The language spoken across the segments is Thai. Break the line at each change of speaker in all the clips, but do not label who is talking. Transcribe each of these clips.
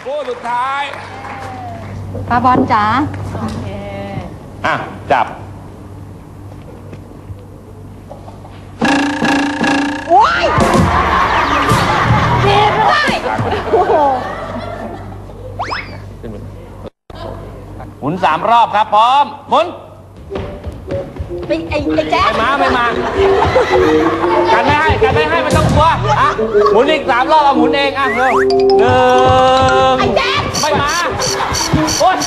คู่สุดท้าย
ปาบอลจ๋าโอเค
จับ
โอ้ยดีไม่ได้โอ้โห
หมุน3 รอบครับพร้อมหมุน
ไอ้แจ๊ค
ไม่มากันไม่ให้ไม่ต้องกลัวหมุนอีก3 รอบเอาหมุนเองเร็ว1ไอ้
แจ๊ค
ไม่มาโอ๊ย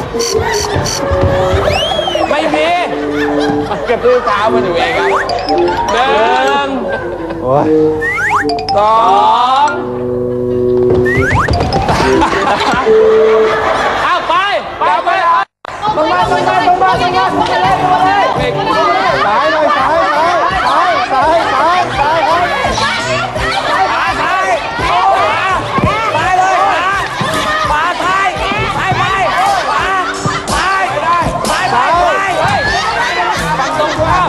ไม่มีเก็บด้วยเท้ามันอยู่เองครับ1 2เอาไปลงมาสายหน่อยสายไปเลยขวาไทยไปขวาได้ฟังตรงตัว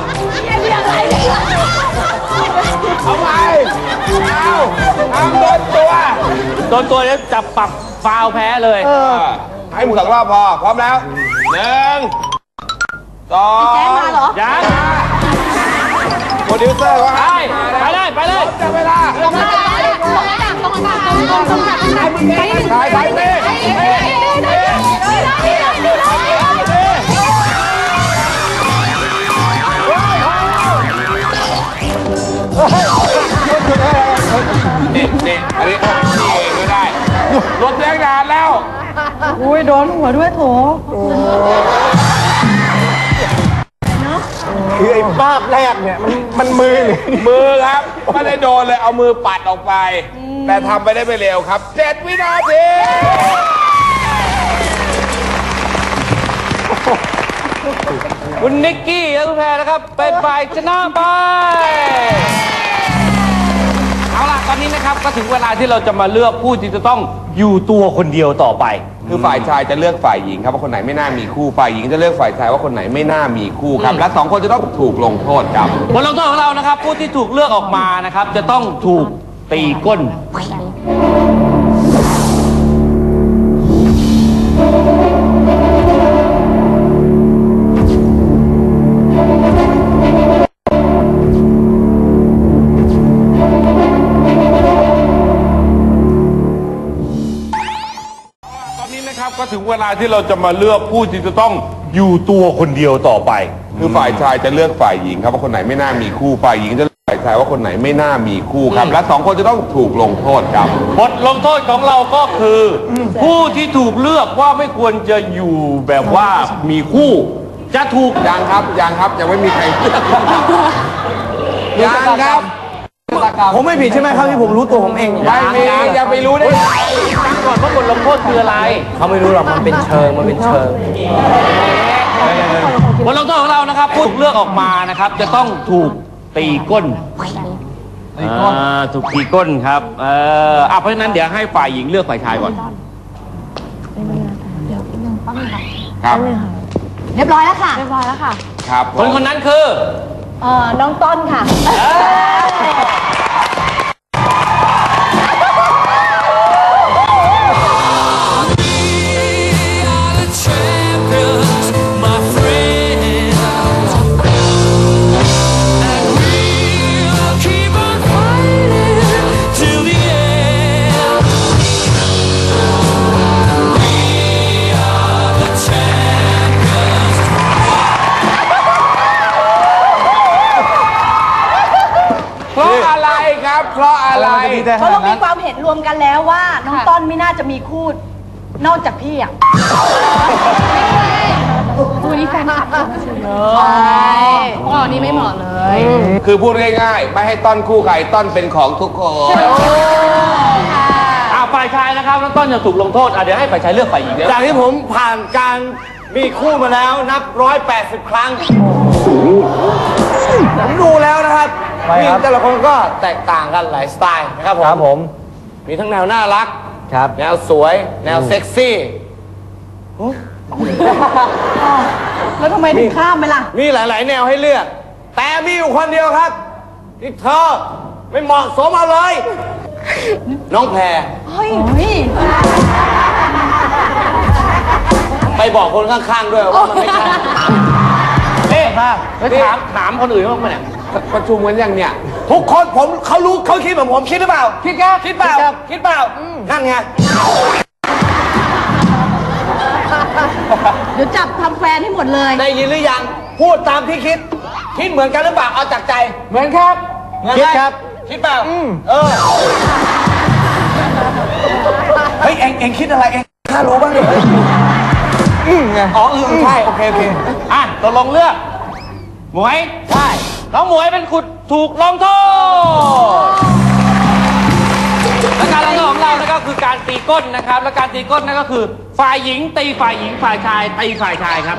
เอาไปเอาโดนตัวแล้วจับปรับฟาวแพ้เลยให้หมุน2 รอบพอพร้อมแล้ว1 2
แจ๊คมาเหรอ
ยังโปรดิวเซอร์ว่าไปเลยจับเวลา
ตรงนั้น
ถ่ายไปนี่อันนี้เองก็ได้รถแรงงานแล้ว
อุ้ยโดนหัวด้วยโถ
คือไอ้ภาพแรกเนี่ยมันมือ
ครับไม่ได้โดนเลยเอามือปัดออกไปแต่ทำไปได้ไม่เร็วครับ7 วินาทีคุณนิกกี้และคุณแพรนะครับเป็นฝ่ายชนะไปเอาล่ะตอนนี้นะครับก็ถึงเวลาที่เราจะมาเลือกผู้ที่จะต้องอยู่ตัวคนเดียวต่อไปคือฝ่ายชายจะเลือกฝ่ายหญิงครับว่าคนไหนไม่น่ามีคู่ฝ่ายหญิงจะเลือกฝ่ายชายว่าคนไหนไม่น่ามีคู่ครับและ2 คนจะต้องถูกลงโทษครับบทลงโทษของเรานะครับผู้ที่ถูกเลือกออกมานะครับจะต้องถูกตีก้นก็ถึงเวลาที่เราจะมาเลือกผู้ที่จะต้องอยู่ตัวคนเดียวต่อไปคือฝ่ายชายจะเลือกฝ่ายหญิงครับว่าคนไหนไม่น่ามีคู่ฝ่ายหญิงจะเลือกฝ่ายชายว่าคนไหนไม่น่ามีคู่ครับและ2 คนจะต้องถูกลงโทษครับบทลงโทษของเราก็คือผู้ที่ถูกเลือกว่าไม่ควรจะอยู่แบบว่ามีคู่จะถูกยังครับยังไม่มีใครเลือกยังครับ
ผมไม่ผิดใช่ไหมครับที่ผมรู้ตัวผมเอง
ไม่มีอย่าไปรู้ได้ตั้งก่อนว่าบทลงโทษคืออะไร
เขาไม่รู้หรอกมันเป็นเชิง
บทลงโทษของเรานะครับผู้ถูกเลือกออกมานะครับจะต้องถูกตีก้นถูกตีก้นครับเพราะฉะนั้นเดี๋ยวให้ฝ่ายหญิงเลือกฝ่ายชายก่อนครับ
เรียบร้อยแล้วค่ะ
ครับคนนั้นคือ
น้องต้นค่ะ
เพราะอะไร
เพราะเรามีความเห็นรวมกันแล้วว่าน้องต้นไม่น่าจะมีคู่นอกจากพี่คู่นี้แฟนคลับใช่ข้อนี้ไม่เหมาะเลย
คือพูดง่ายๆไม่ให้ต้นคู่ใครต้นเป็นของทุกคนฝ่ายชายนะครับแล้วต้นจะถูกลงโทษเดี๋ยวให้ฝ่ายชายเลือกฝ่ายหญิง
จากที่ผมผ่านการมีคู่มาแล้วนับ180 ครั้งผมดูแล้วนะครับวิ่งแต่ละคนก็แตกต่างกันหลายสไตล์นะครับผมมีทั้งแนวน่ารักแนวสวยแนวเซ็กซี่
แล้วทำไมถึงข้ามไปล่ะ
มีหลายๆแนวให้เลือกแต่มีอยู่คนเดียวครับที่เธอไม่เหมาะสมเอาเลยน้องแพร
เฮ้ย
บอกคนข้างๆด้วยว่ามันไม่ใช่นี่ถามคนอื่นบ้างไหมเนี่ย
ประชุมกันยังเนี่ย
ทุกคนเขารู้เขาคิดแบบผมคิดหรือเปล่าคิดครับคิดเปล่าคิดเปล่านั่นไง
เดี๋ยวจับทำแฟนให้หมดเลย
ได้ยินหรือยังพูดตามที่คิดเหมือนกันหรือเปล่าเอาจากใจเหมือนครับคิดครับคิดเปล่าเฮ้ยเอ็งคิดอะไรเอ็งข้ารู้บ้างดิไงอ๋อใช่โอเคอ่ะตกลงเลือกหมวยใช่น้องหมวยเป็นขุดถูกลงโทษและการลงโทษของเราก็คือการตีก้นนะครับและการตีก้นนั่นก็คือฝ่ายหญิงตีฝ่ายหญิงฝ่ายชายตีฝ่ายชายครับ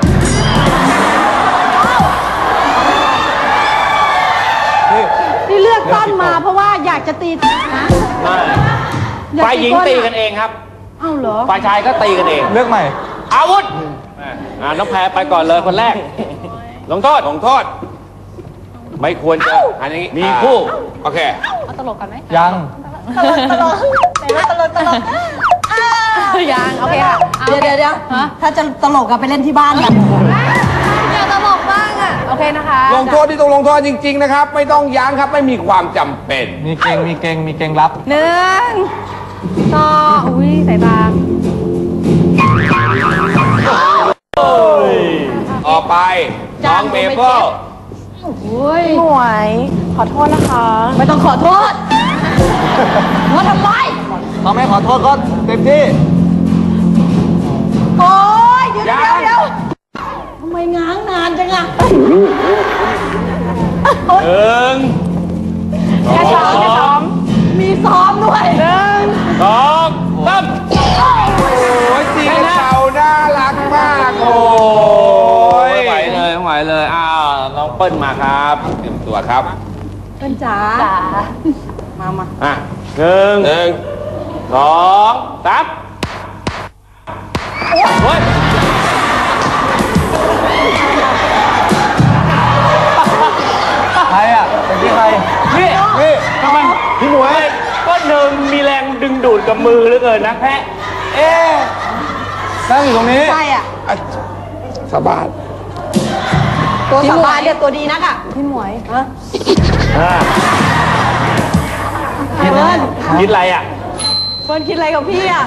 ที่เลือกต้นมาเพราะว่าอยากจะตีนะ
ฝ่ายหญิงตีกันเองครับ
เอ้าเหรอ
ฝ่ายชายก็ตีกันเองเลือกใหม่อาวุธน้องแพรไปก่อนเลยคนแรกลงโทษไม่ควรจะอันนี้มีคู่โอเค
เอาตลกกันไหม
ยัง
ตลกไหนว่าตลกยังโอเคค่ะเดี๋ยวถ้าจะตลกอะไปเล่นที่บ้านกันอยากตลกบ้างอะโอเคนะคะ
ลงโทษที่ต้องลงโทษจริงๆนะครับไม่ต้องยั้งครับไม่มีความจำเป็น
มีเก่งรับ
1 2อุ้ยสายตา
ต่อไปน้องเมเปิล
อุ้ย
หมวยขอโทษนะคะ
ไม่ต้องขอโทษว่าทำไม
เขาไม่ขอโทษก็เต็มที่
โอ้ยเดี๋ยวทำไมง้างนานจังอะ
แค่ซ้อม
มีซ้อมด้วย
2 3
โอ้ยตีกันเต่าน่ารักมากโอ้ย
ไม่ไหวเลยน้องเปิ้ลมาครับ
เตรียมตัวครับ
เป็นจ๋ามา
1 2 3โอ้ยใครอ่ะเป็นที่ใครนี่ทำไมพี่หมวยก็เดินมีแรงดึงดูดกับมือเหลือเกินนะแพะนั่งอยู่ตรงนี้
ใช่อ่ะ
สบาย
ตัวสบายเรียกตัวดีนักอ่ะ
พี่หมวย
คิดอะไรอ่ะ
เฟิร์นคิดอะไรกับพี่อ่ะ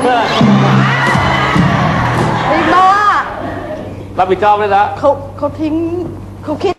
อีกบ้า
รับผิดชอบเลยนะ
เขาทิ้งเขาคิด